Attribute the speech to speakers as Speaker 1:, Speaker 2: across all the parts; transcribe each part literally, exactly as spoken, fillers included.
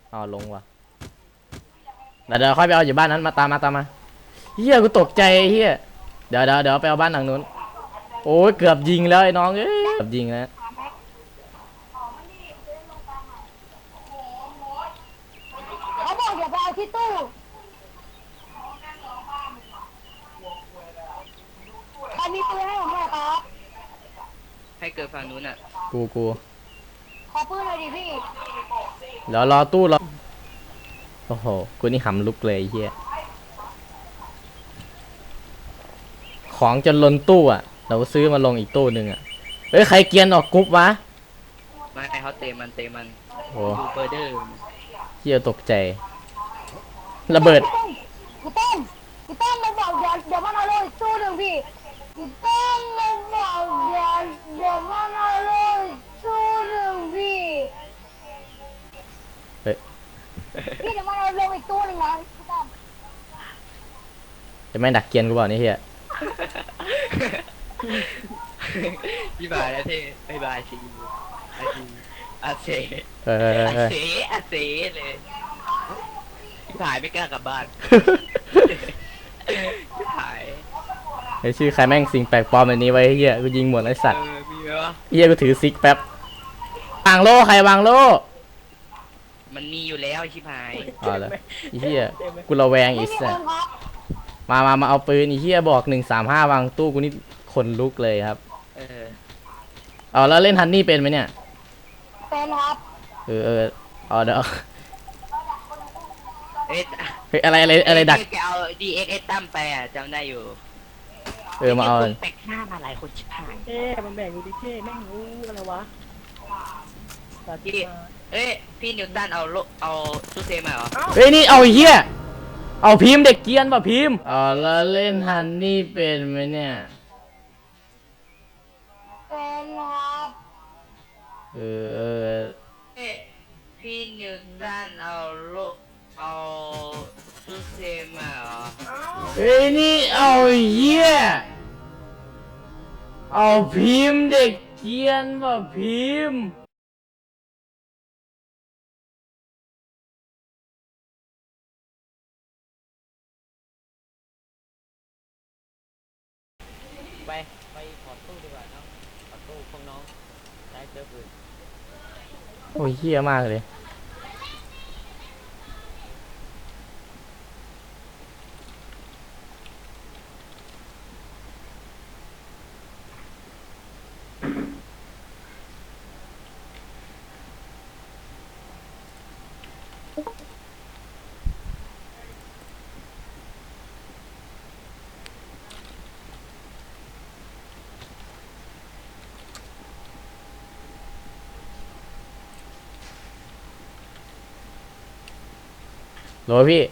Speaker 1: อ๋อลงว่ะเดี๋ยวเดี๋ยวค่อยไปเอาอยู่บ้านนั้นมาตามมาตามมาเฮียกูตกใจเฮียเดี๋ยวเดี๋ยวเดี๋ยวไปเอาบ้านหลังนู้นโอ้ยเกือบยิงแล้วไอ้น้องเอ้ยเกือบยิงแล้ว
Speaker 2: เขาบอกอย่าไปเอาที่ตู้ใครมีปืนให้ผมหน่อยครับ
Speaker 3: ให้เกิดฝั่งนู้นอ่ะ
Speaker 1: กูกู
Speaker 2: ขอปืนหน่อยดิพี่
Speaker 1: เดี๋ยวรอตู้รอโอ้โหกูนี่หำลุกเลยเฮียของจนล้นตู้อ่ะเราซื้อมาลงอีกตู้หนึ่งอ่ะเฮ้ยใครเกียนออกกรุ๊ปวะ
Speaker 3: ไม่ให้เขาเตะมันเตะมัน
Speaker 1: โอ้
Speaker 3: ดูเบอร์เดอร์
Speaker 1: เฮียตกใจระเบิด
Speaker 2: กูต้มกูต้มมาบอกเดี๋ยวเดี๋ยวมันเอาเลยตู้หนึ่งพี่กูต้มมาบอกเดี๋ยวเดี๋ยวมันเอาเลยตู้หนึ่งพี่
Speaker 1: เฮ้ย
Speaker 2: พี่เดี๋ยวมันเอาลงอีกตู้หนึ่งนะกูต้ม
Speaker 1: จะไม่ดักเกียนกูบอกนี่เฮีย
Speaker 3: พี่บายแล้วเท่บายบายซีอาซีอาเซ
Speaker 1: เออ
Speaker 3: อาเซอาเซเลยพี่บายไม่กล้ากลับบ้านพี่บาย
Speaker 1: ไอชื่อใครแม่งสิ่งแปลกปลอมแบบนี้ไว้เฮียกูยิงหมดไอสัตว์
Speaker 3: มีไหมวะ
Speaker 1: เฮียกูถือซิกแป๊บวางโล่ใครวางโล่
Speaker 3: มันมีอยู่แล้วชิบหาย
Speaker 1: อ๋อเหรอไอเฮียกูระแวงอีสัตว์มามามาเอาปืนไอเฮียบอกหนึ่งสามห้าวางตู้กูนี่ขนลุกเลยครับ
Speaker 3: เออ
Speaker 1: เอาแล้วเล่นฮันนี่เป็นไหมเนี่ย
Speaker 2: เป็นครับ
Speaker 1: เออเออเอาเดี๋ยว
Speaker 3: เอ๊ะ
Speaker 1: เฮ้ยอะไรอะไรอะไรดัก
Speaker 3: จะเอาดีเอ็กเอตั้มไปอ่ะจำได้อยู่
Speaker 1: เออมาเอา
Speaker 3: แปลกหน้ามาหลายคนชิบหาย
Speaker 4: เอ๊ะมันแบ่งดูดิเท่แม่งรู้อะไรวะ
Speaker 3: พี่เอ้ยพี่นิวตันเอาโลเอาซูเซมาเหรอ
Speaker 1: เฮ้ยนี่เอาเฮียเอาพิมพ์เด็กเกียนป่ะพิมพ์อ๋อแล้วเล่นฮันนี่เป็นไหมเนี่ย
Speaker 2: เป็นครับ
Speaker 1: เออเออ
Speaker 3: เอ้ยพี่นิวตันเอาโลเอาซูเซมาเหรอ
Speaker 1: เฮ้ยนี่เอาเฮียเอาพิมพ์เด็กเกียนป่ะพิมพ์
Speaker 4: ไปไปถอดตู้ดีกว่าเนาะถอดตู้พวกน้องได้เจอปืน
Speaker 1: โอ้ยเฮียมากเลยโหลพี่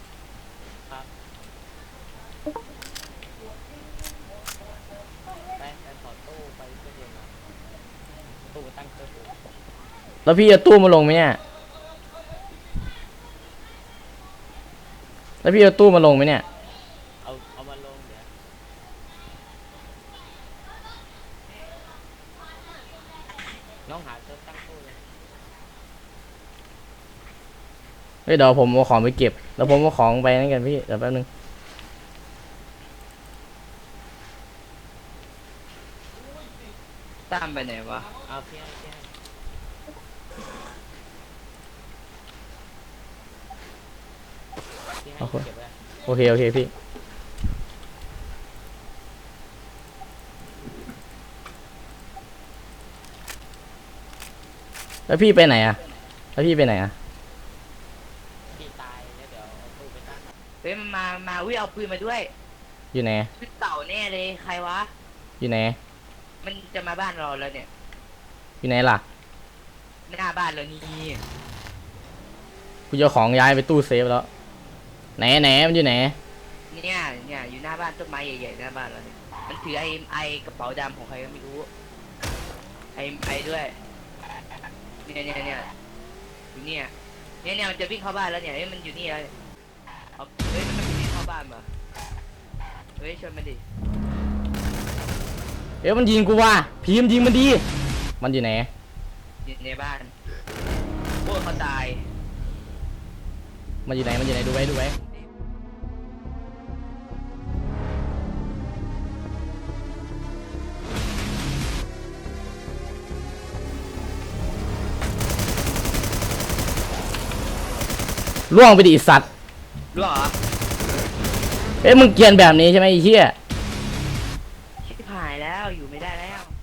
Speaker 4: ไปไปถอดตู้ไปเพื่อเดียวนะตู้ตั้งเจอปืน
Speaker 1: แล้วพี่จะตู้มาลงไหมเนี่ยแล้วพี่จะตู้มาลงไหมเนี่ย
Speaker 4: เอาเอามาลงเดี๋ยวน้องหาเจอตั้งตู้เลย
Speaker 1: เฮ้ยเดี๋ยวผมเอาของไปเก็บแล้วผมเอาของไปนั่นกันพี่เดี๋ยวแป๊บนึง
Speaker 3: ตั้มไปไหนวะ
Speaker 4: เอาพี่ให้พี่ให้พี่ให้เก็บไว้
Speaker 1: โอเคโอเคพี่แล้วพี่ไปไหนอะแล้วพี่ไปไหนอะ
Speaker 4: พี่ตายแล้วเดี๋ยวเอาตู้ไปตั้ง
Speaker 3: เฮ้ยมามาวิ่งเอาปืนมาด้วย
Speaker 1: อยู่ไหน
Speaker 3: คือเต่าแน่เลยใครวะ
Speaker 1: อยู่ไหน
Speaker 3: มันจะมาบ้านเราแล้วเนี่ย
Speaker 1: อยู่ไหนล่ะ
Speaker 3: ไม่หน้าบ้านแล้วนี่
Speaker 1: กูจะของย้ายไปตู้เซฟแล้วไหนไหนมันอยู่ไหน
Speaker 3: เนี่ยเนี่ยอยู่หน้าบ้านต้นไม้ใหญ่ๆหน้าบ้านเราเนี่ยมันถือไอ้ไอ้กระเป๋าดำของใครก็ไม่รู้ไอ้ไอ้ด้วยเนี่ยเนี่ยเนี่ยอยู่เนี่ยเนี่ยเนี่ยมันจะวิ่งเข้าบ้านแล้วเนี่ยเฮ้ยมันอยู่นี่เลยเอาเฮ้ยมันจะวิ่งเข้าบ้านมาเฮ้ยชวนมันดิ
Speaker 1: เอ้ยมันยิงกูว่ะพีมยิงมันดีมันอยู่ไหน
Speaker 3: อยู่ในบ้านพวกเขาตาย
Speaker 1: มันอยู่ไหนมันอยู่ไหนดูไว้ดูไว้ล่วงไปดิไอ้สัตว์
Speaker 3: รู้เหรอ
Speaker 1: เอ้ยมึงเกรียนแบบนี้ใช่ไหมไอ้เหี้ย
Speaker 3: ชิบหายแล้วอยู่ไม่ได้แล้ว